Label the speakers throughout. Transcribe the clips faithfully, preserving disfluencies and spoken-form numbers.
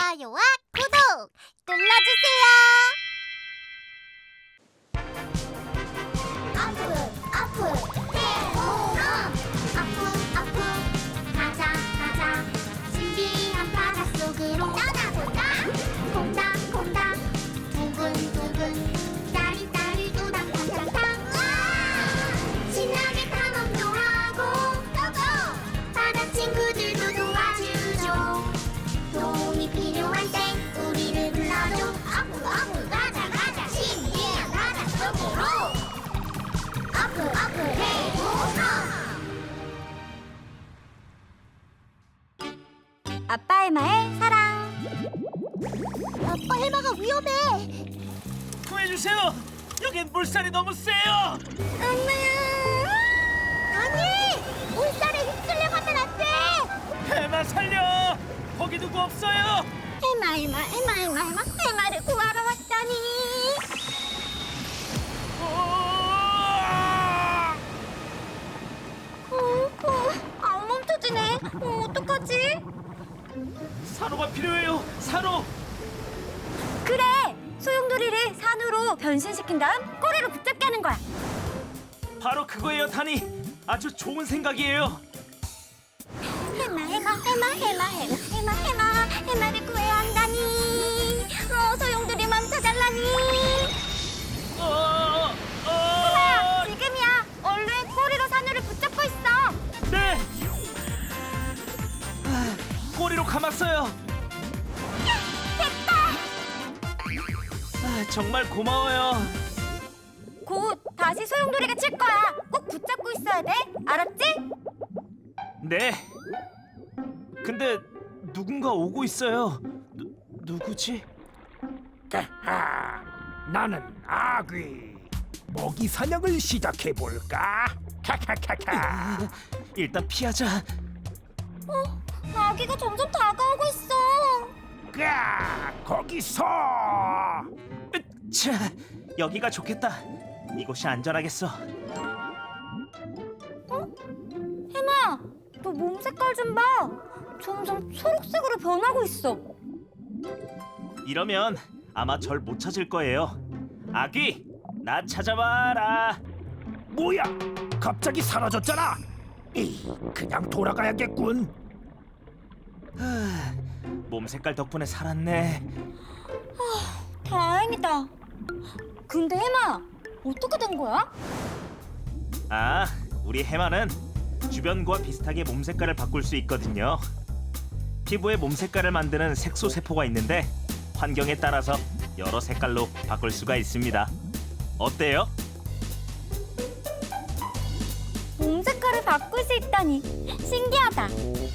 Speaker 1: 좋아요와 구독 눌러주세요. 아프 아프 해롱 아프 아프 가자 가자 신비한 바닷속으로 떠나보자. 콩닥콩닥 두근두근 따리따리 우당탕탕탕 우와 신나게 탐험도 하고 고고 바다 친구들도 도와주죠. 도움이 필요할 땐 우리를 불러줘. 아프 아프 가자 가자 신비한 바닷속으로 아프 아프 해롱
Speaker 2: 아빠 해마의 사랑.
Speaker 1: 아빠 해마가 위험해.
Speaker 3: 구해주세요! 여긴 물살이 너무 세요!
Speaker 1: 엄마야. 아니 물살에 휩쓸려 가면 안 돼.
Speaker 3: 해마 살려! 거기 누구 없어요!
Speaker 1: 해마 해마 해마 해마 해마 해마를 구하러 왔다니.
Speaker 3: 우와!
Speaker 1: 어, 어, 안 멈춰지네. 어, 어떡하지?
Speaker 3: 산호가 필요해요! 산호!
Speaker 2: 그래! 소용돌이를 산으로 변신시킨 다음 꼬리로 붙잡게 하는 거야.
Speaker 3: 바로 그거예요, 다니! 아주 좋은 생각이에요!
Speaker 1: 해마 해마 해마 해마 해마 해마 해마 해마를 구해야 한다니. 어, 소용돌이 멈춰달라니.
Speaker 3: 어,
Speaker 2: 해마야,
Speaker 3: 어,
Speaker 2: 지금이야. 얼른 꼬리로 산으를 붙잡고 있어.
Speaker 3: 네! 아, 꼬리로 감았어요!
Speaker 2: 됐다.
Speaker 3: 아, 정말 고마워요!
Speaker 2: 곧 다시 소용돌이가 칠 거야. 꼭 붙잡고 있어야 돼. 알았지?
Speaker 3: 네! 근데 누군가 오고 있어요. 누, 누구지?
Speaker 4: 하하, 나는 아귀. 먹이 사냥을 시작해 볼까? 카카카카.
Speaker 3: 일단 피하자.
Speaker 2: 아기가 점점 다가오고 있어.
Speaker 4: 까 거기서.
Speaker 3: 차, 여기가 좋겠다. 이곳이 안전하겠어.
Speaker 2: 해마, 너 몸 색깔 좀 봐. 점점 초록색으로 변하고 있어.
Speaker 3: 이러면 아마 절 못 찾을 거예요. 아귀, 나 찾아봐라.
Speaker 4: 뭐야? 갑자기 사라졌잖아. 이, 그냥 돌아가야겠군.
Speaker 3: 하, 몸 색깔 덕분에 살았네.
Speaker 2: 다행이다. 근데 해마, 어떻게 된 거야?
Speaker 3: 아, 우리 해마는 주변과 비슷하게 몸 색깔을 바꿀 수 있거든요. 피부에 몸 색깔을 만드는 색소 세포가 있는데 환경에 따라서 여러 색깔로 바꿀 수가 있습니다. 어때요?
Speaker 2: 몸 색깔을 바꿀 수 있다니 신기하다.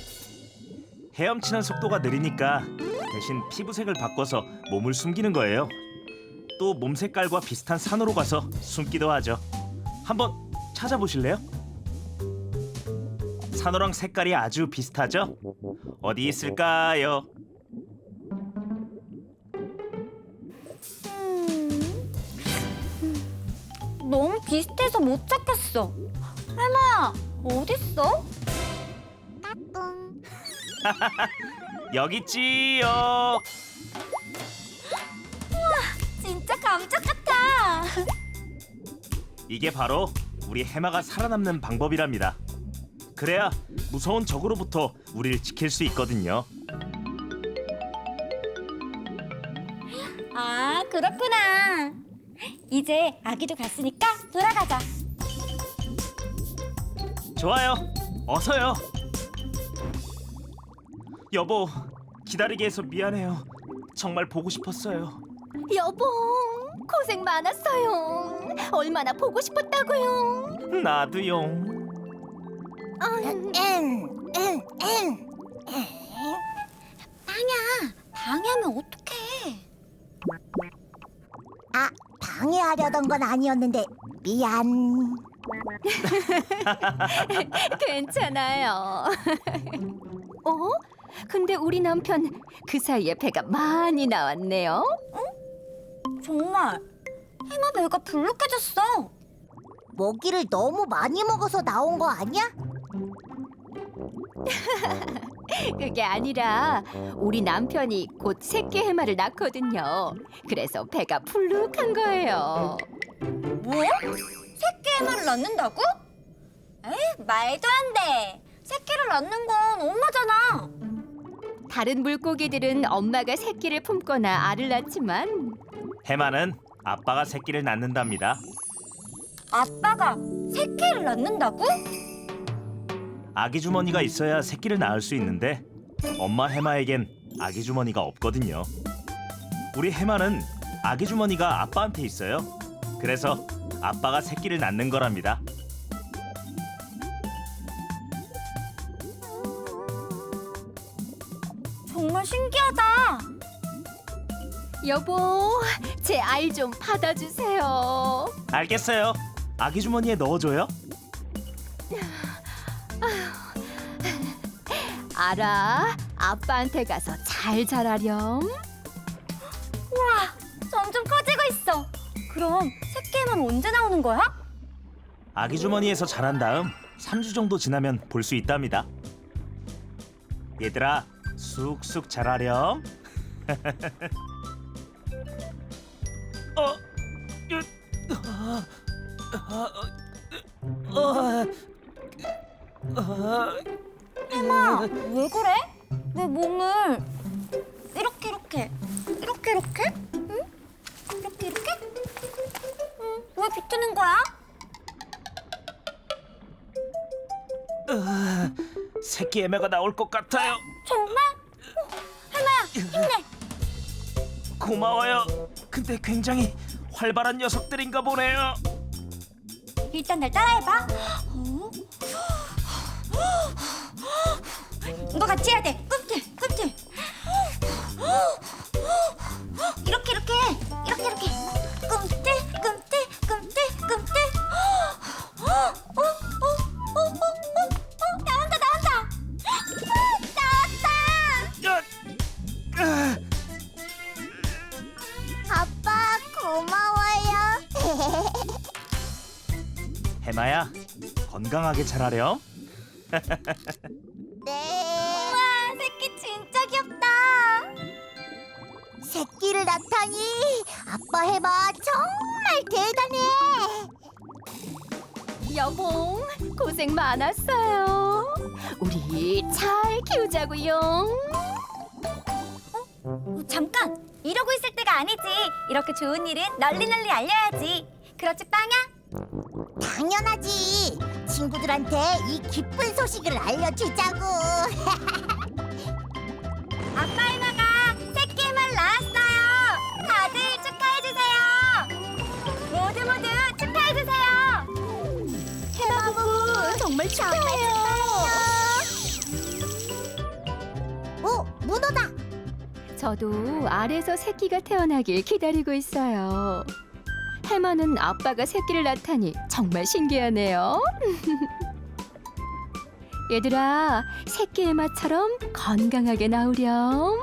Speaker 3: 헤엄치는 속도가 느리니까 대신 피부색을 바꿔서 몸을 숨기는 거예요. 또 몸 색깔과 비슷한 산으로 가서 숨기도 하죠. 한번 찾아보실래요? 산호랑 색깔이 아주 비슷하죠? 어디 있을까요?
Speaker 2: 너무 비슷해서 못 찾겠어. 해마, 어딨어?
Speaker 1: 까꿍.
Speaker 3: 여기 있지요.
Speaker 2: 진짜 감쪽 같아.
Speaker 3: 이게 바로 우리 해마가 살아남는 방법이랍니다. 그래야 무서운 적으로부터 우리를 지킬 수 있거든요.
Speaker 2: 아, 그렇구나. 이제 아기도 갔으니까 돌아가자.
Speaker 3: 좋아요. 어서요. 여보, 기다리게 해서 미안해요. 정말 보고 싶었어요.
Speaker 1: 여보 고생 많았어요. 얼마나 보고 싶었다고요.
Speaker 3: 나도요.
Speaker 1: 방야
Speaker 2: 방해하면 어떡해?
Speaker 1: 아 방해하려던 건 아니었는데 미안.
Speaker 5: 괜찮아요. 어? 근데 우리 남편 그 사이에 배가 많이 나왔네요.
Speaker 2: 정말 해마 배가 불룩해졌어.
Speaker 1: 먹이를 너무 많이 먹어서 나온 거 아니야?
Speaker 5: 그게 아니라 우리 남편이 곧 새끼 해마를 낳거든요. 그래서 배가 풀룩한 거예요.
Speaker 2: 뭐? 새끼 해마를 낳는다고? 에이, 말도 안 돼. 새끼를 낳는 건 엄마잖아.
Speaker 5: 다른 물고기들은 엄마가 새끼를 품거나 알을 낳지만
Speaker 3: 해마는 아빠가 새끼를 낳는답니다.
Speaker 2: 아빠가 새끼를 낳는다고?
Speaker 3: 아기 주머니가 있어야 새끼를 낳을 수 있는데 엄마 해마에겐 아기 주머니가 없거든요. 우리 해마는 아기 주머니가 아빠한테 있어요. 그래서 아빠가 새끼를 낳는 거랍니다.
Speaker 2: 정말 신기하다.
Speaker 5: 여보, 제 알 좀 받아주세요.
Speaker 3: 알겠어요. 아기 주머니에 넣어줘요.
Speaker 5: 알아, 아빠한테 가서 잘 자라렴.
Speaker 2: 우와, 점점 커지고 있어. 그럼 새끼 해마는 언제 나오는 거야?
Speaker 3: 아기 주머니에서 자란 다음 삼 주 정도 지나면 볼 수 있답니다. 얘들아, 쑥쑥 자라렴. 어, 으, 어, 어, 어, 어,
Speaker 2: 해마, 왜 그래? 내 몸을 이렇게 이렇게 이렇게 이렇게? 응? 이렇게 이렇게? 응, 왜 비트는 거야?
Speaker 3: 새끼 애매가 나올 것 같아요.
Speaker 2: 정말? 어, 해마야, 힘내.
Speaker 3: 고마워요. 근데 굉장히 활발한 녀석들인가 보네요.
Speaker 2: 일단 날 따라해봐. 어? 너 같이 해야 돼. 꿈틀, 꿈틀. 이렇게 이렇게 이렇게 이렇게. 꿈틀, 꿈틀, 꿈틀, 꿈틀. 어, 어, 어, 어, 어, 어, 나온다, 나온다. 나왔다.
Speaker 3: 야, 아,
Speaker 1: 아빠 고마워요.
Speaker 3: 해마야, 건강하게 자라렴.
Speaker 1: 네.
Speaker 2: 우와, 새끼 진짜 귀엽다.
Speaker 1: 새끼를 낳다니 아빠 해봐 정말 대단해.
Speaker 5: 여봉, 고생 많았어요. 우리 잘 키우자고요.
Speaker 2: 어, 잠깐, 이러고 있을 때가 아니지. 이렇게 좋은 일은 널리 널리 알려야지. 그렇지, 빵야?
Speaker 1: 당연하지. 친구들한테 이 기쁜 소식을 알려주자고.
Speaker 2: 아빠 해마가 새끼 해마를 낳았어요. 다들 축하해주세요. 모두 모두 축하해주세요.
Speaker 1: 해마부
Speaker 5: 정말 축하해요.
Speaker 1: 오, 문어다.
Speaker 5: 저도 알에서 새끼가 태어나길 기다리고 있어요. 해마는 아빠가 새끼를 낳다니 정말 신기하네요. 얘들아, 새끼 해마처럼 건강하게 나오렴.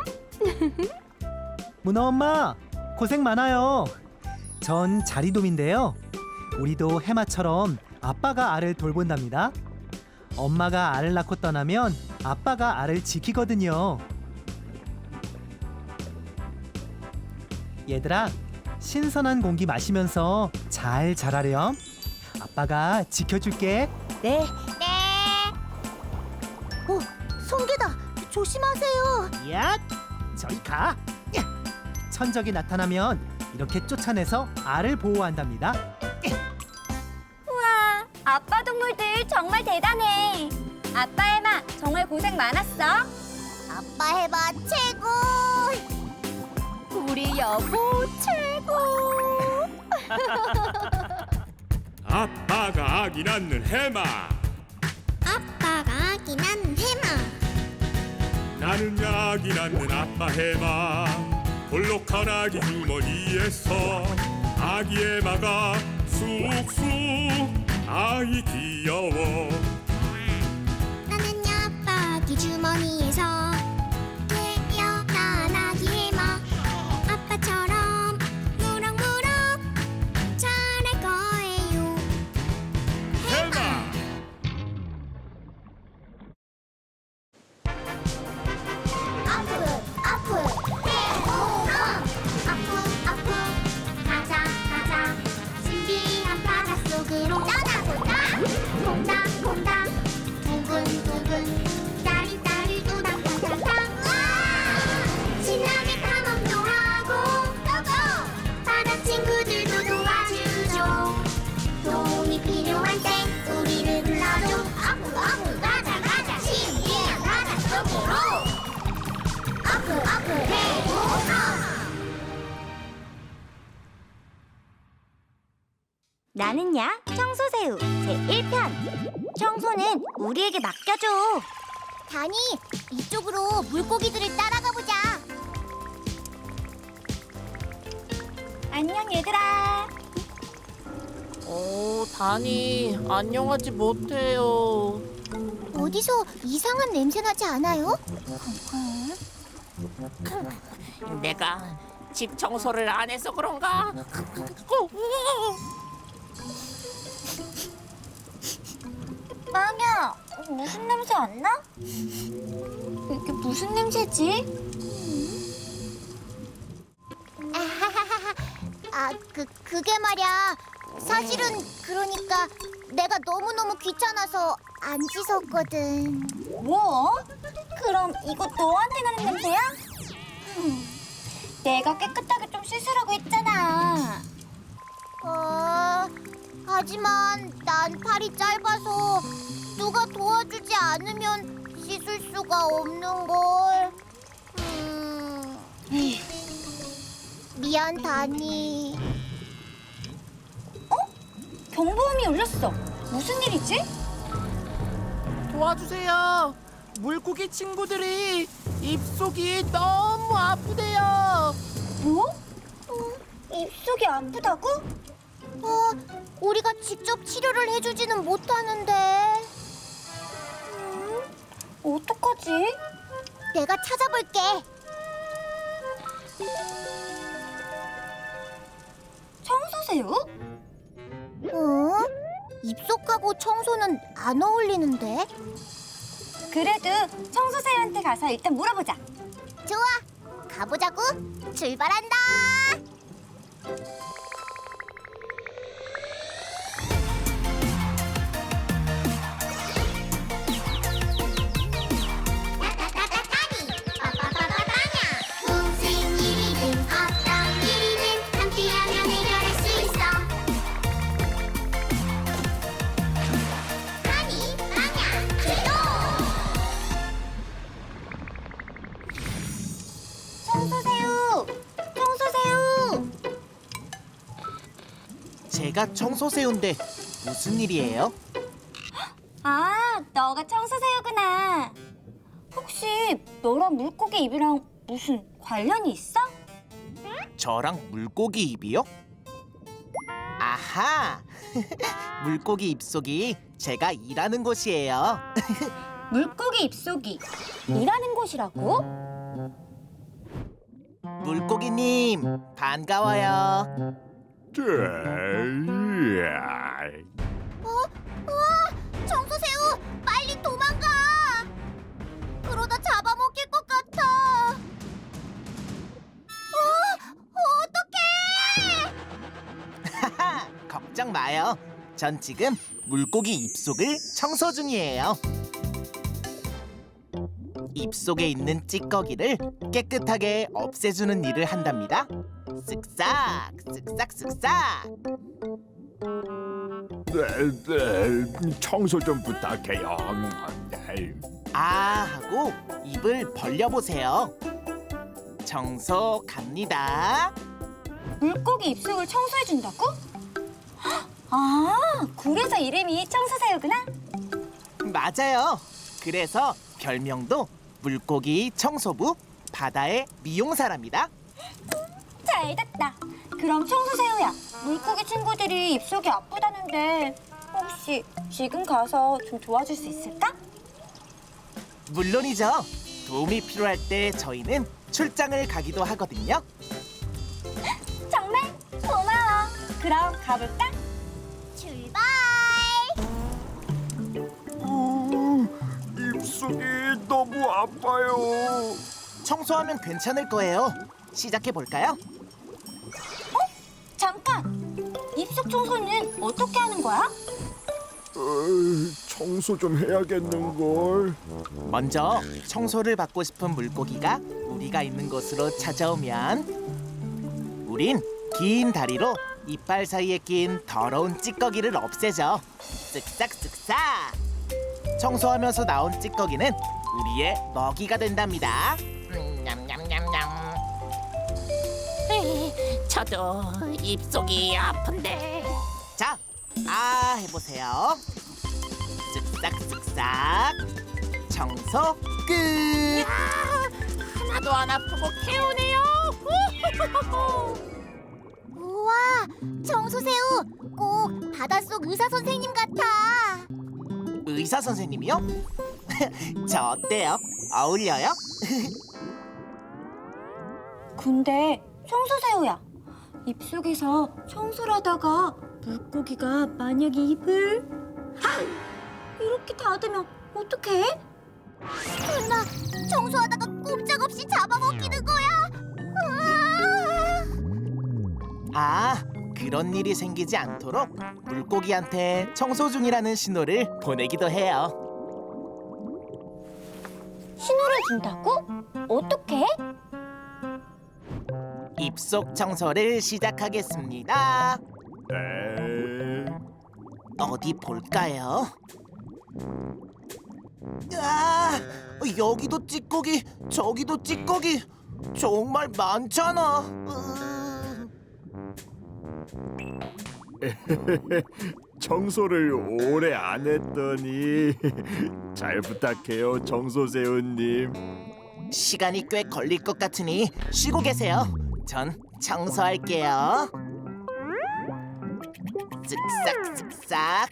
Speaker 6: 문어 엄마, 고생 많아요. 전 자리돔인데요. 우리도 해마처럼 아빠가 알을 돌본답니다. 엄마가 알을 낳고 떠나면 아빠가 알을 지키거든요. 얘들아, 신선한 공기 마시면서 잘 자라렴. 아빠가 지켜줄게.
Speaker 1: 네. 네. 오, 송개다. 조심하세요.
Speaker 6: 야, 저리 가. 야. 천적이 나타나면 이렇게 쫓아내서 알을 보호한답니다.
Speaker 2: 우와, 아빠 동물들 정말 대단해. 아빠 해마 정말 고생 많았어.
Speaker 1: 아빠 해봐 최고.
Speaker 5: 우리 여보 최고.
Speaker 7: 아빠가 아기 낳는 해마
Speaker 1: 아빠가 아기 낳는 해마.
Speaker 7: 나는 아기 낳는 아빠 해마 볼록한 아기 주머니에서 아기 해마가 쑥쑥 아이 귀여워
Speaker 1: 나는 아빠 아기 주머니에서 태어난 아기 해마. 아빠처럼 무럭무럭 자랄 거예요.
Speaker 7: 해마
Speaker 1: 나는야 청소새우 제일 편. 청소는 우리에게 맡겨줘. 다니, 이쪽으로 물고기들을 따라가 보자. 안녕 얘들아.
Speaker 8: 어, 다니, 안녕하지 못해요.
Speaker 1: 어디서 이상한 냄새 나지 않아요?
Speaker 8: 내가 집 청소를 안 해서 그런가?
Speaker 2: 빵야, 무슨 냄새 안 나? 이게 무슨 냄새지?
Speaker 1: 아, 그 그게 말이야. 사실은 그러니까 내가 너무너무 귀찮아서 안 씻었거든.
Speaker 2: 뭐? 그럼 이거 너한테 나는 냄새야? 흠, 내가 깨끗하게 좀 씻으라고 했잖아.
Speaker 1: 어, 하지만 난 팔이 짧아서 누가 도와주지 않으면 씻을 수가 없는 걸. 음, 미안 다니.
Speaker 2: 경보음이 울렸어. 무슨 일이지?
Speaker 8: 도와주세요. 물고기 친구들이 입속이 너무 아프대요.
Speaker 2: 뭐? 입속이 아프다고?
Speaker 1: 어, 우리가 직접 치료를 해주지는 못하는데. 음,
Speaker 2: 어떡하지?
Speaker 1: 내가 찾아볼게.
Speaker 2: 청소새우?
Speaker 1: 어? 입속하고 청소는 안 어울리는데?
Speaker 2: 그래도 청소새우한테 가서 일단 물어보자.
Speaker 1: 좋아, 가보자고. 출발한다. 무슨 일이든 어떤 일이든 함께하면 해결할 수 있어. 다니, 빵야, 출동!
Speaker 2: 청소새우! 청소새우!
Speaker 9: 제가 청소새우인데 무슨 일이에요?
Speaker 2: 아, 너가 청소새우구나. 혹시 너랑 물고기 입이랑 무슨 관련이 있어?
Speaker 9: 저랑 물고기 입이요? 아하! 물고기 입속이 제가 일하는 곳이에요.
Speaker 2: 물고기 입속이 일하는 곳이라고?
Speaker 9: 물고기님, 반가워요.
Speaker 1: 우와! 청소새우! 빨리 도망가! 그러다 잡아먹힐 것 같아. 어? 어떡해!
Speaker 9: 하하! 걱정 마요. 전 지금 물고기 입속을 청소 중이에요. 입속에 있는 찌꺼기를 깨끗하게 없애주는 일을 한답니다. 쓱싹, 쓱싹, 쓱싹.
Speaker 4: 네, 네, 청소 좀 부탁해요. 네.
Speaker 9: 아 하고 입을 벌려보세요. 청소 갑니다.
Speaker 2: 물고기 입속을 청소해준다고? 아, 그래서 이름이 청소새우구나?
Speaker 9: 맞아요. 그래서 별명도 물고기 청소부 바다의 미용사랍니다.
Speaker 2: 잘 됐다. 그럼 청소새우야, 물고기 친구들이 입속이 아프다는데 혹시 지금 가서 좀 도와줄 수 있을까?
Speaker 9: 물론이죠. 도움이 필요할 때 저희는 출장을 가기도 하거든요.
Speaker 2: 정말 고마워. 그럼 가볼까?
Speaker 1: 출발!
Speaker 4: 입속이 너무 아파요.
Speaker 9: 청소하면 괜찮을 거예요. 시작해 볼까요?
Speaker 2: 잠깐! 입속 청소는 어떻게 하는 거야?
Speaker 4: 어, 청소 좀 해야겠는걸.
Speaker 9: 먼저 청소를 받고 싶은 물고기가 우리가 있는 곳으로 찾아오면 우린 긴 다리로 이빨 사이에 낀 더러운 찌꺼기를 없애죠. 쓱싹 쓱싹. 청소하면서 나온 찌꺼기는 우리의 먹이가 된답니다.
Speaker 8: 음, 냠냠냠냠. 에이, 저도 입속이 아픈데.
Speaker 9: 자, 아 해보세요. 쓱싹쓱싹 청소 끝.
Speaker 8: 하나도 안 아프고 개운해요.
Speaker 1: 우와, 청소새우 꼭 바닷속 의사 선생님 같아.
Speaker 9: 의사 선생님이요? 저 어때요? 어울려요?
Speaker 2: 근데 청소새우야, 입속에서 청소를 하다가 물고기가 만약에 입을 아! 이렇게 닫으면 어떡해?
Speaker 1: 설마 청소하다가 꼼짝없이 잡아먹히는 거야?
Speaker 9: 아, 그런 일이 생기지 않도록 물고기한테 청소 중이라는 신호를 보내기도 해요.
Speaker 2: 신호를 준다고? 어떻게?
Speaker 9: 입속 청소를 시작하겠습니다.
Speaker 4: 네.
Speaker 9: 어디 볼까요? 아, 여기도 찌꺼기, 저기도 찌꺼기. 정말 많잖아. 으...
Speaker 4: 청소를 오래 안 했더니 잘 부탁해요, 청소새우님.
Speaker 9: 시간이 꽤 걸릴 것 같으니 쉬고 계세요. 전 청소할게요. 쓱싹쓱싹,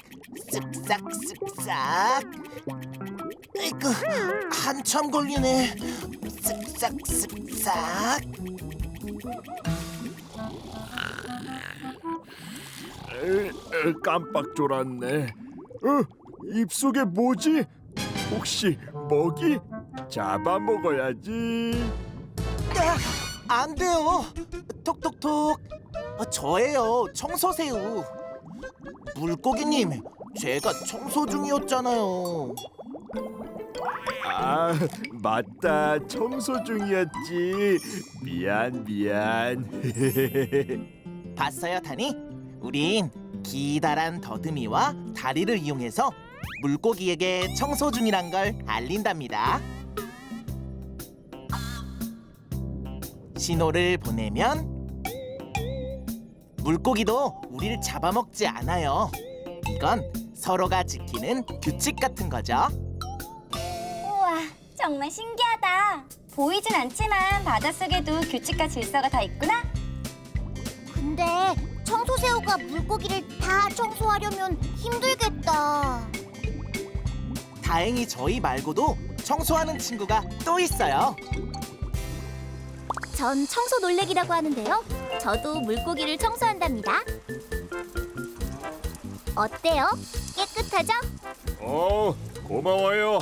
Speaker 9: 쓱싹쓱싹. 아이고, 한참 걸리네. 쓱싹쓱싹.
Speaker 4: 에, 에, 깜빡 졸았네. 어, 입속에 뭐지? 혹시 먹이? 잡아먹어야지.
Speaker 9: 아, 안 돼요. 톡톡톡. 아, 저예요, 청소새우. 물고기님, 제가 청소 중이었잖아요.
Speaker 4: 아, 맞다. 청소 중이었지. 미안, 미안.
Speaker 9: 봤어요, 다니? 우린 기다란 더듬이와 다리를 이용해서 물고기에게 청소 중이란 걸 알린답니다. 신호를 보내면 물고기도 우리를 잡아먹지 않아요. 이건 서로가 지키는 규칙 같은 거죠.
Speaker 2: 우와, 정말 신기하다. 보이진 않지만 바닷속에도 규칙과 질서가 다 있구나.
Speaker 1: 근데 청소새우가 물고기를 다 청소하려면 힘들겠다.
Speaker 9: 다행히 저희 말고도 청소하는 친구가 또 있어요.
Speaker 1: 전 청소 놀래기라고 하는데요. 저도 물고기를 청소한답니다. 어때요? 깨끗하죠?
Speaker 4: 어, 고마워요.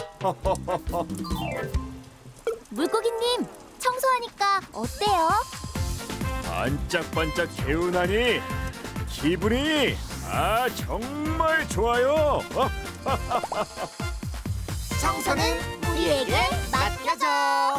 Speaker 1: 물고기님, 청소하니까 어때요?
Speaker 4: 반짝반짝 개운하니 기분이 아 정말 좋아요.
Speaker 9: 청소는 우리에게 맡겨줘.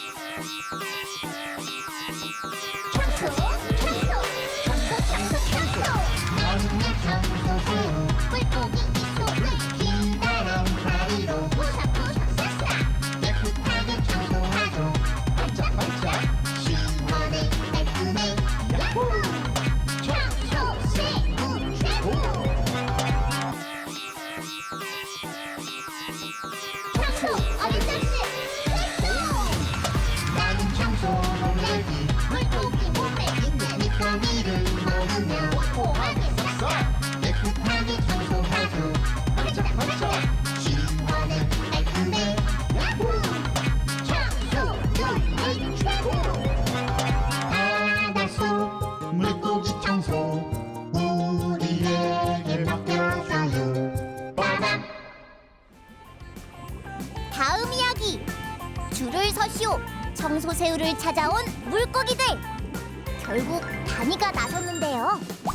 Speaker 1: 다음 이야기. 줄을 서시오. 청소새우를 찾아온 물고기들. 결국 다니가 나섰는데요.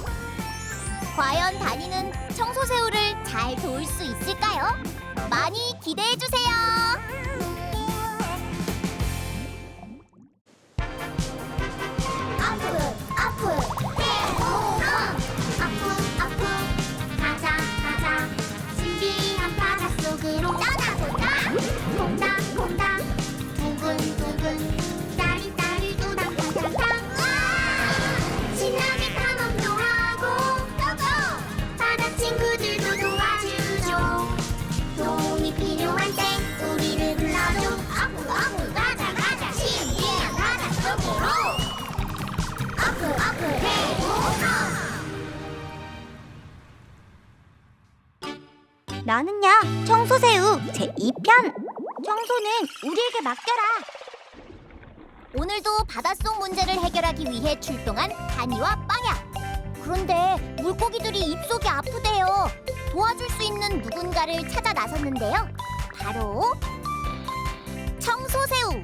Speaker 1: 과연 다니는 청소새우를 잘 도울 수 있을까요? 많이 기대해 주세요. 아프 아프 해보아 아프 아프 가자 가자 신비한 바닷속으로 떠나보자. 퐁당 퐁당 두근두근 따리따리 우당탕탕탕 신나게 탐험도 하고 고고 다 같이 나는야 청소새우 제이 편. 청소는 우리에게 맡겨라. 오늘도 바닷속 문제를 해결하기 위해 출동한 다니와 빵야. 그런데 물고기들이 입속이 아프대요. 도와줄 수 있는 누군가를 찾아 나섰는데요. 바로 청소새우.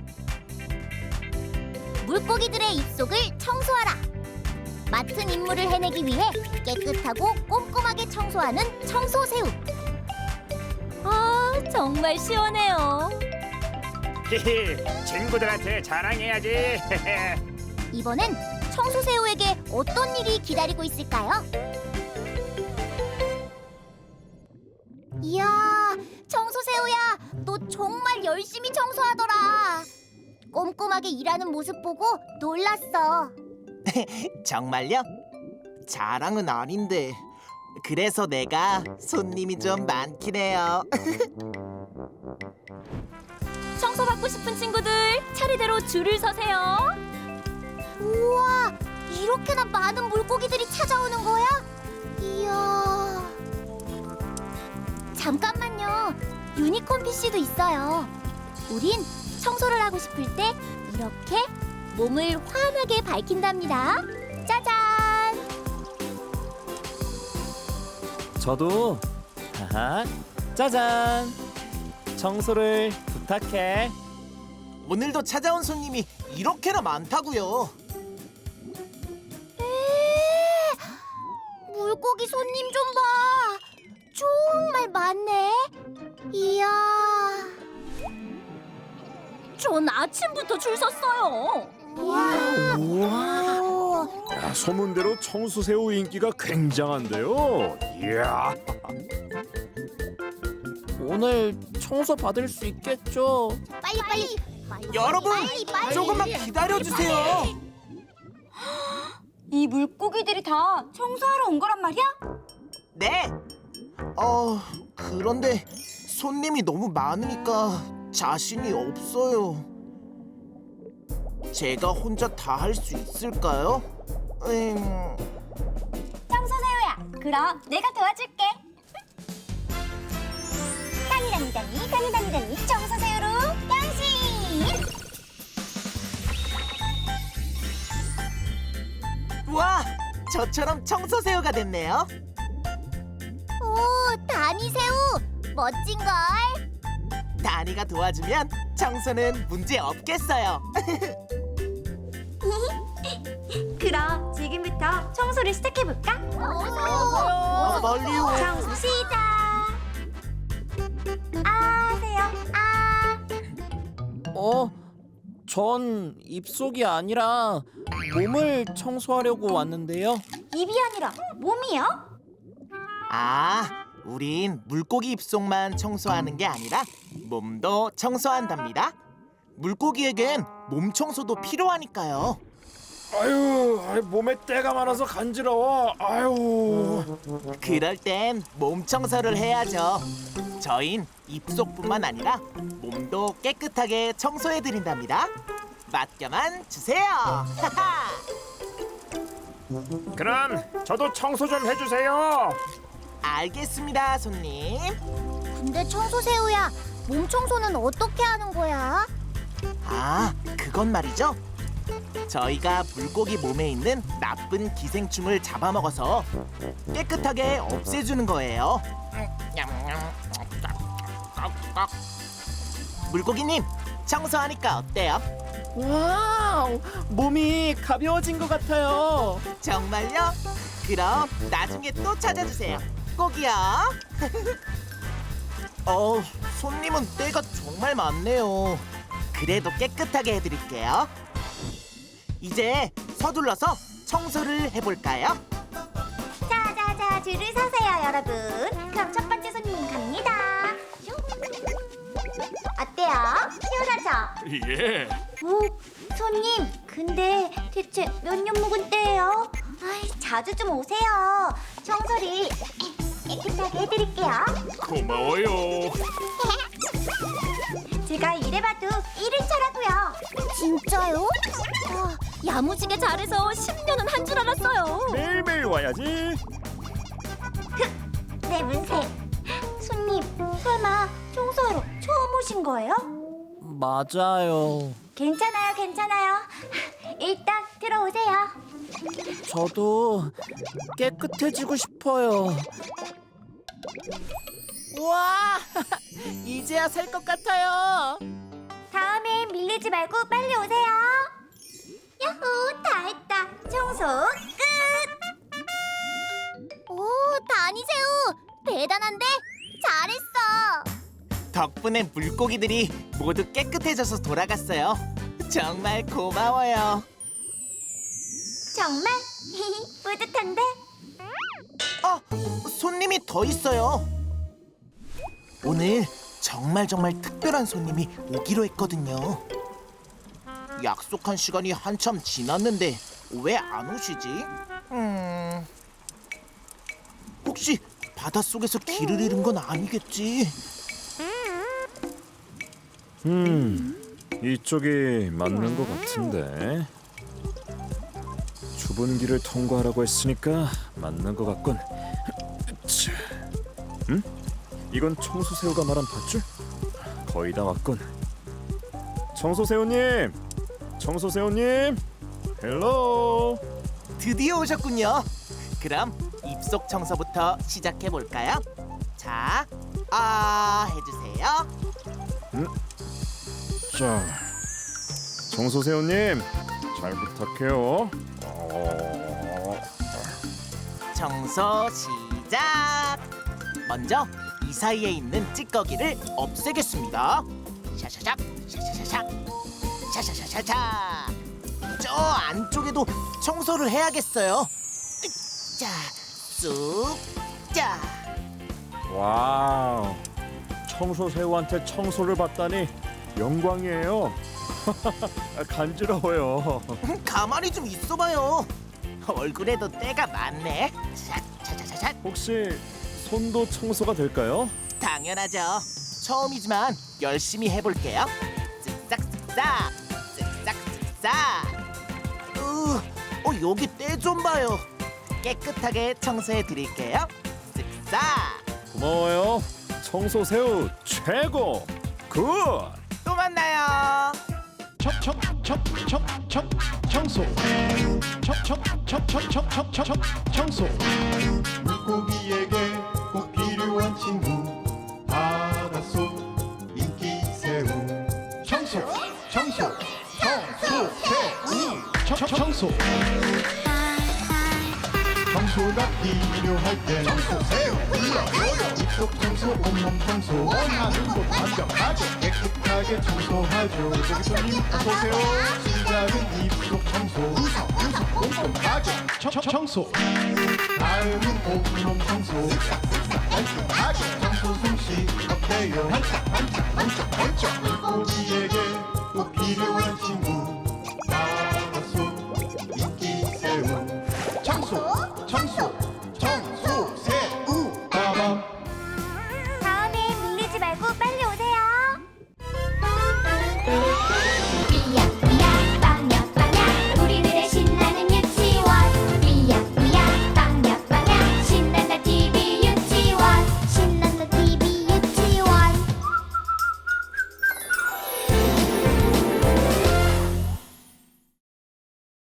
Speaker 1: 물고기들의 입속을 청소하라. 맡은 임무를 해내기 위해 깨끗하고 꼼꼼하게 청소하는 청소새우.
Speaker 2: 아, 정말 시원해요.
Speaker 4: 히히, 친구들한테 자랑해야지.
Speaker 1: 이번엔 청소새우에게 어떤 일이 기다리고 있을까요? 이야, 청소새우야, 너 정말 열심히 청소하더라. 꼼꼼하게 일하는 모습 보고 놀랐어.
Speaker 9: 정말요? 자랑은 아닌데. 그래서 내가 손님이 좀 많긴 해요.
Speaker 2: 청소받고 싶은 친구들 차례대로 줄을 서세요.
Speaker 1: 우와, 이렇게나 많은 물고기들이 찾아오는 거야? 이야. 잠깐만요. 유니콘 피씨도 있어요. 우린 청소를 하고 싶을 때 이렇게 몸을 환하게 밝힌답니다. 짜잔!
Speaker 10: 저도 하하 짜잔 청소를 부탁해.
Speaker 9: 오늘도 찾아온 손님이 이렇게나 많다고요.
Speaker 1: 에ee, 물고기 손님 좀 봐. 정말 많네. 이야.
Speaker 2: 전 아침부터 줄 섰어요.
Speaker 1: 우와.
Speaker 4: 야, 소문대로 청소새우 인기가 굉장한데요. 이야.
Speaker 10: 오늘 청소 받을 수 있겠죠?
Speaker 1: 빨리 빨리.
Speaker 9: 여러분,
Speaker 1: 빨리, 빨리.
Speaker 9: 조금만 기다려주세요.
Speaker 2: 이 물고기들이 다 청소하러 온 거란 말이야?
Speaker 9: 네. 어, 그런데 손님이 너무 많으니까 자신이 없어요. 제가 혼자 다 할 수 있을까요? 음...
Speaker 1: 청소새우야, 그럼 내가 도와줄게. 다니다니다니 다니다니다니 청소새우로 변신.
Speaker 9: 와, 저처럼 청소새우가 됐네요.
Speaker 1: 오, 다니새우 멋진걸.
Speaker 9: 다니가 도와주면 청소는 문제 없겠어요.
Speaker 2: 그럼 지금부터 청소를 시작해볼까?
Speaker 9: 어, 멀리요.
Speaker 1: 청소 시작. 아세요? 아.
Speaker 10: 어? 전 입속이 아니라 몸을 청소하려고 왔는데요.
Speaker 1: 입이 아니라 몸이요?
Speaker 9: 아, 우린 물고기 입속만 청소하는 게 아니라 몸도 청소한답니다. 물고기에겐 몸 청소도 필요하니까요.
Speaker 4: 아유, 아유, 몸에 때가 많아서 간지러워. 아유.
Speaker 9: 그럴 땐 몸 청소를 해야죠. 저흰 입속뿐만 아니라 몸도 깨끗하게 청소해 드린답니다. 맡겨만 주세요. 하하.
Speaker 4: 그럼 저도 청소 좀 해주세요.
Speaker 9: 알겠습니다, 손님.
Speaker 1: 근데 청소새우야, 몸 청소는 어떻게 하는 거야?
Speaker 9: 아, 그건 말이죠. 저희가 물고기 몸에 있는 나쁜 기생충을 잡아먹어서 깨끗하게 없애주는 거예요. 물고기님, 청소하니까 어때요?
Speaker 10: 와우, 몸이 가벼워진 것 같아요.
Speaker 9: 정말요? 그럼 나중에 또 찾아주세요. 꼭이요. 어, 손님은 때가 정말 많네요. 그래도 깨끗하게 해드릴게요. 이제 서둘러서 청소를 해볼까요?
Speaker 1: 자자자, 줄을 서세요, 여러분. 그럼 첫 번째 손님 갑니다. 슝. 어때요? 시원하죠?
Speaker 4: 예.
Speaker 1: 오, 손님, 근데 대체 몇 년 묵은 때예요? 아이, 자주 좀 오세요. 청소를 깨끗하게 해드릴게요.
Speaker 4: 고마워요.
Speaker 1: 제가 이래봐도 일 일 차라고요. 진짜요? 아,
Speaker 2: 야무지게 잘해서 십 년은 한 줄 알았어요.
Speaker 4: 매일매일 와야지.
Speaker 1: 내 문세. 손님,
Speaker 2: 해마 청소하러 처음 오신 거예요?
Speaker 10: 맞아요.
Speaker 2: 괜찮아요, 괜찮아요. 일단 들어오세요.
Speaker 10: 저도 깨끗해지고 싶어요. 우와! 이제야 살 것 같아요.
Speaker 2: 다음엔 밀리지 말고 빨리 오세요. 야호, 다 했다. 청소 끝.
Speaker 1: 오, 다니새우 대단한데? 잘했어.
Speaker 9: 덕분에 물고기들이 모두 깨끗해져서 돌아갔어요. 정말 고마워요.
Speaker 2: 정말 뿌듯한데?
Speaker 9: 아, 손님이 더 있어요. 오늘 정말 정말 특별한 손님이 오기로 했거든요. 약속한 시간이 한참 지났는데 왜 안 오시지? 음... 혹시 바닷속에서 길을 잃은 건 아니겠지?
Speaker 4: 음, 이쪽이 맞는 것 같은데. 좁은 길을 통과하라고 했으니까 맞는 것 같군. 차. 음? 이건 청소새우가 말한 밧줄? 거의 다 왔군. 청소새우님! 청소새우님! 헬로!
Speaker 9: 드디어 오셨군요. 그럼 입속 청소부터 시작해 볼까요? 자, 아 해주세요.
Speaker 4: 음? 자, 청소새우님 잘 부탁해요. 어...
Speaker 9: 청소 시작. 먼저 이 사이에 있는 찌꺼기를 없애겠습니다. 샤샤샥, 샤샤샤샥, 샤샤샤샤샤. 저 안쪽에도 청소를 해야겠어요. 자, 쑥, 자.
Speaker 4: 와우, 청소새우한테 청소를 받다니 영광이에요. 간지러워요.
Speaker 9: 가만히 좀 있어봐요. 얼굴에도 때가 많네. 샤샤샤샤.
Speaker 4: 혹시 손도 청소가 될까요?
Speaker 9: 당연하죠. 처음이지만 열심히 해볼게요. 쓱싹쓱싹, 쓱싹쓱싹. 으, 어 여기 때 좀 봐요. 깨끗하게 청소해 드릴게요. 쓱싹.
Speaker 4: 고마워요. 청소새우 최고. 굿.
Speaker 9: 또 만나요.
Speaker 11: 청청청청청 청소 청청청청청청청 청소 물고기에게 꼭 필요한 친구 바닷속 인기새우 청소 청소 청소새우 청청소 청소가 필요할 때 청소새우 불러줘요. 입속 청소 온몸 청소 원하는 곳 완벽하게 깨끗하게 청소하죠. 저기 손님 어서오세요. 시작은 입속 청소 우석 우석 꼼꼼하게 청- 청소 다음은 온몸 청소 깔끔하게 청소 솜씨 어때요? 반짝 반짝 번쩍 번쩍 물고기에게 꼭 필요한